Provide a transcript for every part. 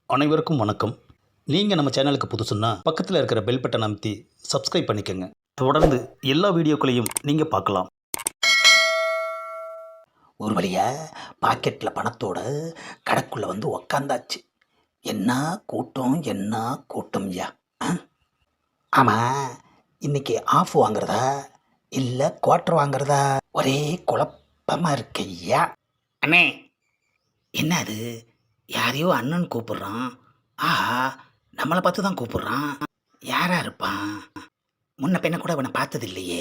அனைவருக்கும் வணக்கம். நீங்கள் நம்ம சேனலுக்கு புதுசுன்னா பக்கத்தில் இருக்கிற பெல் பட்டன் அமைத்தி சப்ஸ்கிரைப் பண்ணிக்கோங்க. தொடர்ந்து எல்லா வீடியோக்களையும் நீங்கள் பார்க்கலாம். ஒரு வழியா பாக்கெட்டில் பணத்தோட கடைக்குள்ளே வந்து உக்காந்தாச்சு. என்ன கூட்டம் ஐயா. ஆமாம், இன்னைக்கு ஆஃப் வாங்குறதா இல்லை குவார்ட்டர் வாங்குறதா ஒரே குழப்பமாக இருக்கு ஐயா. அண்ணே, என்ன அது? யாரையோ அண்ணன் கூப்பிடுறான். ஆஹா, நம்மளை பார்த்து தான் கூப்பிடுறான். யாரா இருப்பான்? முன்ன பின்ன கூட இவனை பார்த்தது இல்லையே.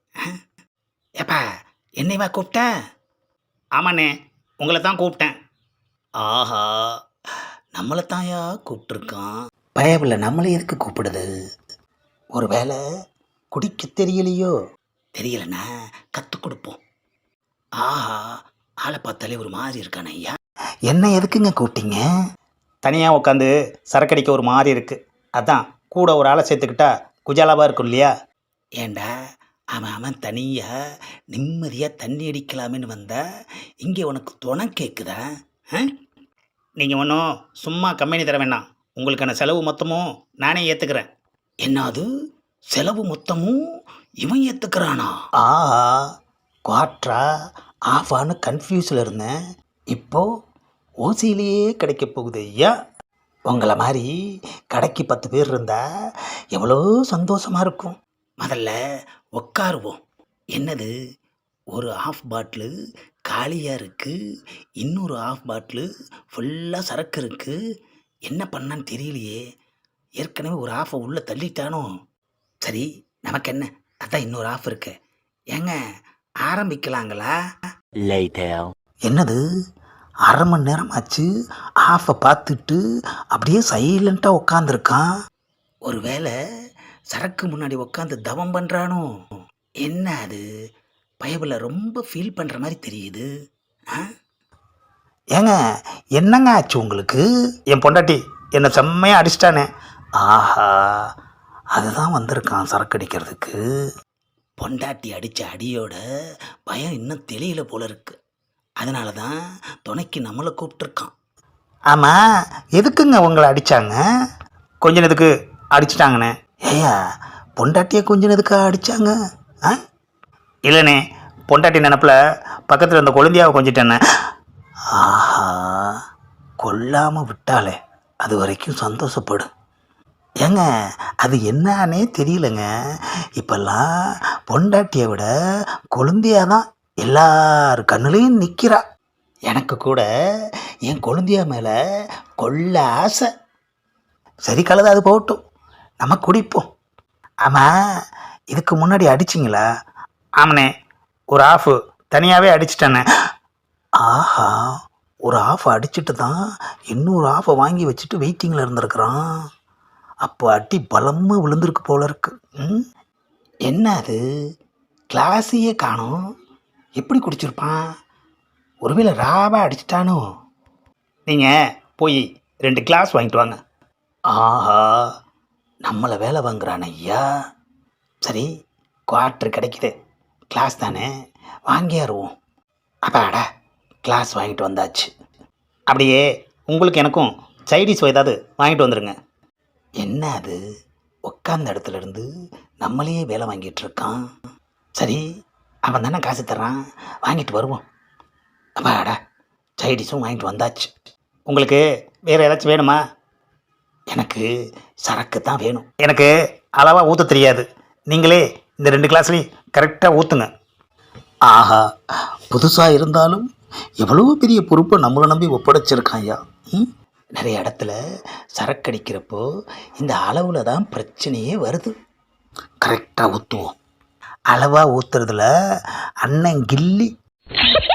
ஏப்பா, என்னைவா கூப்பிட்ட? ஆமாண்ணே, உங்களை தான் கூப்பிட்டேன். ஆஹா, நம்மளை தாயா கூப்பிட்டுருக்கான். பயவில் நம்மளை எதுக்கு கூப்பிடுது? ஒரு வேளை குடிக்க தெரியலையோ? தெரியலண்ணா, கற்றுக் கொடுப்போம். ஆஹா, ஆளை பார்த்தாலே ஒரு மாதிரி இருக்கானே ஐயா. என்ன எதுக்குங்க கூப்பிட்டீங்க? தனியாக உட்காந்து சரக்கடிக்க ஒரு மாதிரி இருக்குது. அதான் கூட ஒரு ஆளை சேர்த்துக்கிட்டா குஜாலாவாக இருக்கும் இல்லையா? ஏண்டா, அவன் தனியாக நிம்மதியாக தண்ணி அடிக்கலாமேன்னு வந்தா இங்கே உனக்கு துணை கேட்குதா? நீங்கள் ஒன்றும் சும்மா கம்பெனி தர வேண்டாம். உங்களுக்கான செலவு மொத்தமும் நானே ஏற்றுக்கிறேன். என்னது, செலவு மொத்தமும் இவன் ஏற்றுக்கிறானா? ஆஹா, குவார்ட்டரா ஆஃபான்னு கன்ஃபியூஸில் இருந்தேன். இப்போது ஓசியிலேயே கிடைக்க போகுது ஐயா. உங்களை மாதிரி கடைக்கு 10 பேர் இருந்தால் எவ்வளோ சந்தோஷமாக இருக்கும். முதல்ல உட்காருவோம். என்னது, ஒரு ஆஃப் பாட்டிலு காலியாக இருக்குது, இன்னொரு ஆஃப் பாட்டிலு ஃபுல்லாக சரக்கு இருக்குது. என்ன பண்ணான்னு தெரியலையே. ஏற்கனவே ஒரு ஆஃபை உள்ளே தள்ளிட்டானோ? சரி, நமக்கு என்ன, அதான் இன்னொரு ஆஃப் இருக்கு. ஏங்க, ஆரம்பிக்கலாங்களா? என்னது, அரை மணி நேரம் ஆச்சு ஆஃபை பார்த்துட்டு அப்படியே சைலண்ட்டாக உட்காந்துருக்கான். ஒரு வேளை சரக்கு முன்னாடி உட்காந்து தவம் பண்ணுறானோ? என்ன அது, பயபில் ரொம்ப ஃபீல் பண்ணுற மாதிரி தெரியுது. ஏங்க, என்னங்க ஆச்சு உங்களுக்கு? என் பொண்டாட்டி என்னை செம்மையாக அடிச்சிட்டானே. ஆஹா, அதுதான் வந்திருக்கான் சரக்கு அடிக்கிறதுக்கு. பொண்டாட்டி அடித்த அடியோட பயம் இன்னும் தெரியல போல இருக்கு. அதனால தான் துணைக்கு நம்மளை கூப்பிட்டுருக்கான். ஆமாம், எதுக்குங்க உங்களை அடித்தாங்க? கொஞ்ச நேரத்துக்கு அடிச்சிட்டாங்கண்ணே. ஏயா, பொண்டாட்டியை கொஞ்ச நேரத்துக்கு அடித்தாங்க? இல்லைண்ணே, பொண்டாட்டி நினப்பில் பக்கத்தில் இருந்த கொழுந்தியாவை கொஞ்சிட்டேண்ணே. ஆஹா, கொல்லாமல் விட்டாலே அது வரைக்கும் சந்தோஷப்படும். ஏங்க, அது என்னன்னே தெரியலங்க. இப்பெல்லாம் பொண்டாட்டியை விட கொழுந்தியா தான் எல்லார் கண்ணுலையும் நிற்கிறா. எனக்கு கூட என் கொழுந்தியா மேலே கொள்ள ஆசை. சரி, கலது, அது போகட்டும், நம்ம குடிப்போம். ஆமாம், இதுக்கு முன்னாடி அடிச்சிங்களா? ஆமாண்ணே, ஒரு ஆஃபு தனியாகவே அடிச்சிட்டேண்ணே. ஆஹா, ஒரு ஆஃப் அடிச்சுட்டு தான் இன்னொரு ஆஃபை வாங்கி வச்சுட்டு வெயிட்டிங்கில் இருந்திருக்கிறான். அப்போ அடி பலமாக விழுந்திருக்கு போல இருக்கு. என்ன அது, கிளாஸையே காணோம். எப்படி குடிச்சிருப்பான்? ஒருவேளை ராவா அடிச்சிட்டானோ? நீங்கள் போய் 2 கிளாஸ் வாங்கிட்டு வாங்க. ஆஹா, நம்மளை வேலை வாங்குறான் ஐயா. சரி, குவார்ட்டர் கிடைக்குது, கிளாஸ் தானே, வாங்கியாருவோம். அப்பாடா, கிளாஸ் வாங்கிட்டு வந்தாச்சு. அப்படியே உங்களுக்கு எனக்கும் சைடிஷ் ஏதாவது வாங்கிட்டு வந்துடுங்க. என்ன அது, உட்காந்த இடத்துல இருந்து நம்மளையே வேலை வாங்கிட்டு இருக்கான். சரி, அவன் தானே காசு தர்றான், வாங்கிட்டு வருவோம். அப்பாடா, சைடிஷும் வாங்கிட்டு வந்தாச்சு. உங்களுக்கு வேறு ஏதாச்சும் வேணுமா? எனக்கு சரக்கு தான் வேணும். எனக்கு அளவாக ஊற்ற தெரியாது. நீங்களே இந்த 2 கிளாஸ்லேயும் கரெக்டாக ஊற்றுங்க. ஆஹா, புதுசாக இருந்தாலும் எவ்வளோ பெரிய பொறுப்பை நம்மளை நம்பி ஒப்படைச்சிருக்கான் ஐயா. நிறைய இடத்துல சரக்கடிக்கிறப்போ இந்த அளவில் தான் பிரச்சனையே வருது. கரெக்டாக ஊற்றுவோம். அளவாக ஊற்றுறதுல அண்ணன் கில்லி.